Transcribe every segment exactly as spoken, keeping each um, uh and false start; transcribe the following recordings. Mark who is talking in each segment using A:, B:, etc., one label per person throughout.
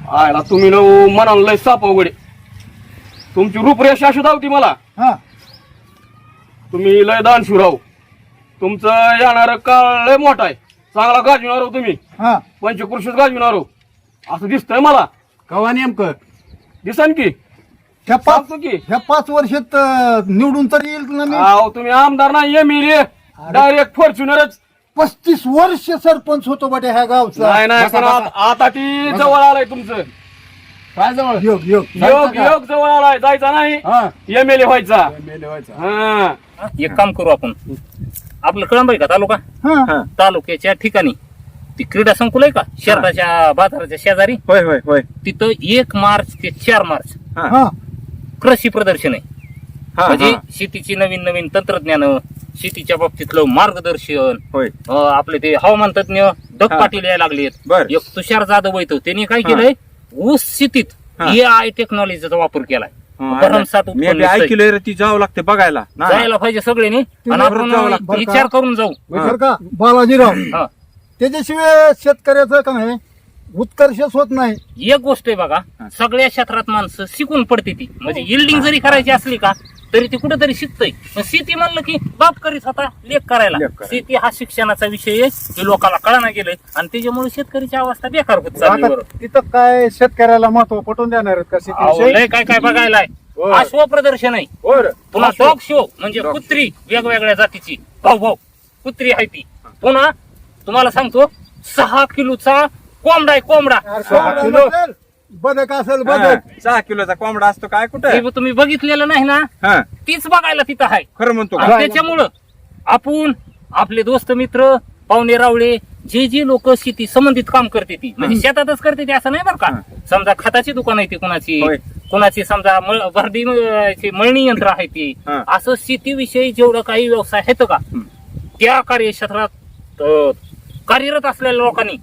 A: आयला तुम्ही न म्हणाल लय साप अवघडे. तुमची रूपरेषा अशी धावती मला.
B: हा
A: तुम्ही लय दानशूर राहू. तुमचं येणार काळ लय मोठा आहे. चांगला गाजविणार हो तुम्ही.
B: हा
A: पंचकृषीच गाजविणार हो असं दिसतंय मला.
C: कवा नेमकं
A: दिसन की
B: ह्या पाच
A: सांगतो की
B: ह्या पाच वर्षात अं, निवडून तर येईल ना मी.
A: अहो तुम्ही आमदार नाही एम एल ए डायरेक्ट फॉर्च्युनरच.
B: पस्तीस वर्ष सरपंच होतो बटे ह्या गावचा.
A: नाही नाही पण आत- आता ती जवळ आलाय तुमचं.
C: काय जवळ
B: योग योग
A: योग योग जवळ आलाय. जायचा नाही
C: हा
A: एम एल ए व्हायचा.
C: मेले व्हायचा.
A: हा
D: एक काम करू आपण. आपलं कळंब आहे का तालुका?
B: हा
D: तालुक्याच्या ठिकाणी ती क्रीडा संकुल आहे का शहराच्या बाजाराच्या शेजारी?
C: होय होय होय.
D: तिथं एक मार्च ते चार मार्च
B: हा
D: कृषी प्रदर्शन आहे.
C: हा,
D: म्हणजे
C: हा.
D: शेतीची नवीन नवीन तंत्रज्ञान, शेतीच्या बाबतीतलं मार्गदर्शन.
C: होय
D: अं, आपले ते हवामान तज्ञ दत्त
C: हा.
D: पाटील यायला लागलेत.
C: बर.
D: एक तुषार जाधव येतो. त्यांनी काय
C: हा.
D: केलंय ऊस शेतीत
C: हा.
D: ए आय टेक्नॉलॉजीचा वापर केलाय.
C: हा,
D: भरमसाठ
C: मी
D: उत्पन्न
C: बी
D: दिसतंय.
C: ऐकलंय रे, ती जावं लागते बघायला ना.
D: जायला पाहिजे सगळ्यांनी आणि
C: बरोबर
D: आपण
C: जावं लागतं.
B: बरं का?
D: विचार करून जाऊ.
B: बरं का बालाजीराव
D: हा.
B: त्याच्याशिवाय शेतकऱ्याचं काय उत्कर्षच होत नाही.
D: एक गोष्ट आहे बघा, सगळ्या क्षेत्रात माणसं शिकून पडते ती. म्हणजे इल्डिंग जरी करायची असली का तरी ती कुठेतरी शिकतय. शेती म्हणलं की बाप करीत होता लेख करायला.
C: लेख करायला.
D: शेती हा शिक्षणाचा विषय आहे. ते लोकांना कळना गेलंय आणि त्याच्यामुळे शेतकरीची अवस्था बेकार होत चालली.
B: आता
D: बरोबर.
B: तिथं काय शेतकऱ्याला महत्व पटवून देणार आहेत का
D: अहो,
B: शेतीविषयी?
D: लय काय काय बघायला आहे.
C: होय.
D: अश्व प्रदर्शन आहे.
C: होय.
D: पुन्हा डॉग शो म्हणजे कुत्री वेगवेगळ्या जातीची भाऊ भाऊ कुत्री आहे ती. पुन्हा तुम्हाला सांगतो सहा किलोचा कोंबडा आहे. कोंबडा
B: अरे
C: सहा
B: कोंबडा
C: किलो.
B: नसेल, बदक असेल
C: हा,
B: बदक.
C: सहा किलोचा कोंबडा असतो काय कुठे?
D: हे तुम्ही बघितलेलं नाही ना,
C: हा
D: तीच बघायला तिथं आहे.
C: खरं म्हणतो
D: आणि
C: का?
D: त्याच्यामुळं आपण आपले दोस्त मित्र पाहुणे रावळे जे जे लोक शेती संबंधित काम करते ती म्हणजे शेतातच करते ती असं नाही बरं का. समजा खताची दुकान आहे ती कुणाची,
C: होय.
D: कुणाची समजा मळ- भरडी अं, ची मळणी यंत्र आहे ती.
C: हा.
D: असं शेतीविषयी जेवढं काही व्यवसाय आहेत का त्या कार्यक्षेत्रात अं, कार्यरत असलेल्या लोकांनी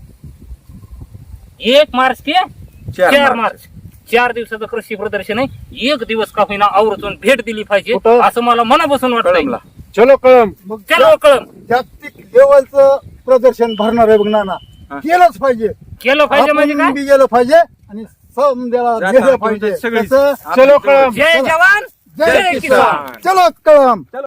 D: एक मार्च ते
C: चार
D: चार
C: मार्च.
D: मार्च चार दिवसाचं कृषी प्रदर्शन आहे. एक दिवस का होईना आवर्जून भेट दिली पाहिजे
B: कुठं?
D: असं मला मनापासून वाटतंय.
C: कळमला.
B: चलो कळम मग
D: चलो कळम
B: जागतिक लेवलचं प्रदर्शन भरणार आहे बघ नाना.
C: हा.
B: केलंच पाहिजे.
D: केलं पाहिजे म्हणजे
B: आपण
D: काय?
B: बी गेलं पाहिजे आणि समजायला
C: जाता
B: गेलं
C: आपण
B: पाहिजे.
C: सगळी-
B: कसं?
C: आपण
B: चलो
C: जवळ-
B: कळम
D: जय जवान
B: जय
D: जय
B: किसान.
D: किसान.
B: चलो कळम.